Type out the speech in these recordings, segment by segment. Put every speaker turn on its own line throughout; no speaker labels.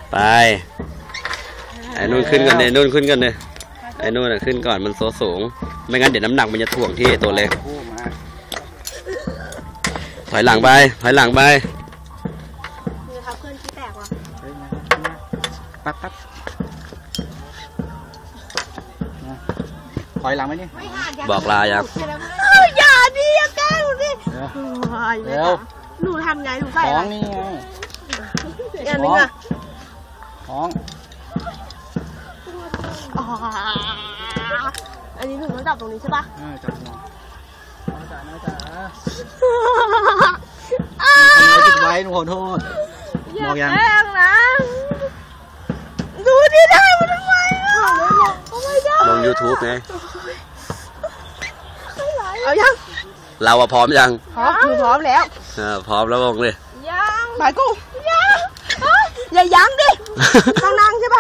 ไปไอ้นู่นขึ้นกันเลยนู่นขึ้นกันเลยไอ้นู่นขึ้นก่อนมันโซสูงไม่งั้นเดี๋ยวน้ำหนักมันจะถ่วงที่ตัวเล็กถอยหลังไปถอยหลังไป
นี่ครับเพื่อนที่แตกว่ะ
ปั๊บถอยหลังไหมนี่
บอกลายัง
อย่าดิอย่าแกล้งหนูดิ
เร็ว
หนูทำไงหนูใส่
ท้องนี่ไง
อันนึงอ่ะ
ท้อง
อันนี้หนูต้องจับตรงนี้ใช่ปะ
จับหัวน้าจ๋าทำไมติดไว้หนูขอโทษบอกยัง
นะดูดิได้มันทำไมอ่ะไม่ได้
ลง YouTube ไง
เอายัง
เราอะพร้อมยัง
พร้อมคือพร้อมแล้ว
พร้อมแล้วลงเลย
ยังหมายกูยังอย่ายั้งดิต้องนั่งใช่ปะ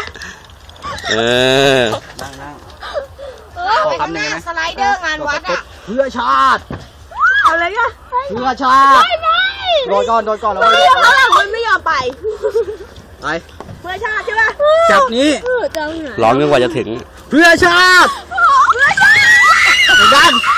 นั่ง
ขอคำหนึ่งนะสไลเดอร์งานวัดอ่ะ
เพื่อชาติ
เอาเลยอ่ะ
เพื่อชาติโดนก่อนแล้ว
มันไม่ยอมไปเพื่อชาติใช่ปะ
จับนี้
ร้องจนกว่าจะถึง
เพื่อชาติเหมือนกัน